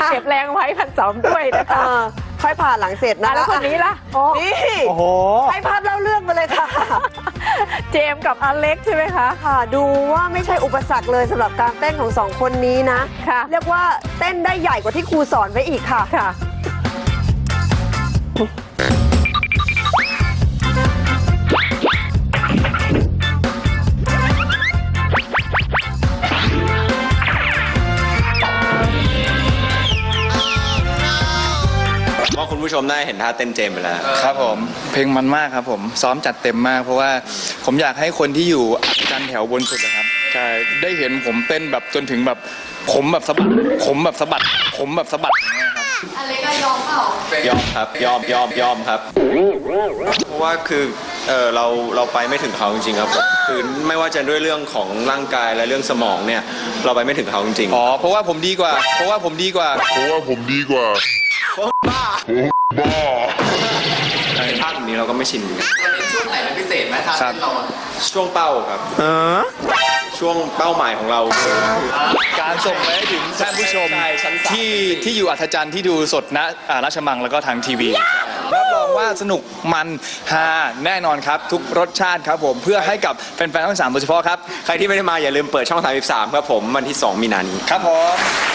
เก็บแรงไว้1,200ด้วยนะคะค่อยผ่าหลังเสร็จนะแล้วคนนี้ล่ะนี่โอ้โหให้ภาพเล่าเรื่องมาเลยค่ะเจมส์กับอเล็กใช่ไหมคะค่ะดูว่าไม่ใช่อุปสรรคเลยสำหรับการเต้นของ2คนนี้นะค่ะเรียกว่าเต้นได้ใหญ่กว่าที่ครูสอนไว้อีกค่ะค่ะว่าคุณผู้ชมได้เห็นท่าเต้นเจมไปแล้วครับผมเพลงมันมากครับผมซ้อมจัดเต็มมากเพราะว่าผมอยากให้คนที่อยู่อัศจรรย์แถวบนสุดนะครับใช่ได้เห็นผมเต้นแบบจนถึงแบบผมแบบสะบัดผมแบบสะบัดผมแบบสะบัดอย่างเงี้ยครับอะไรก็ยอมเปล่ายอมครับยอมครับเพราะว่าคือเราไปไม่ถึงเขาจริงๆครับคือไม่ว่าจะด้วยเรื่องของร่างกายและเรื่องสมองเนี่ยเราไปไม่ถึงเขาจริงๆอ๋อเพราะว่าผมดีกว่าท่าแบบนี้เราก็ไม่ชินกันช่วงไหนเป็นพิเศษไหมท่าเต้นเราช่วงเป้าครับช่วงเป้าหมายของเราคือการส่งไปให้ถึงท่านผู้ชมที่อยู่อัศจรรย์ที่ดูสดณราชมังแล้วก็ทางทีวีรับรองว่าสนุกมันฮาแน่นอนครับทุกรสชาติครับผมเพื่อให้กับแฟนๆทั้ง3โดยเฉพาะครับใครที่ไม่ได้มาอย่าลืมเปิดช่อง33ครับผมวันที่2 มีนาคมนี้ครับผม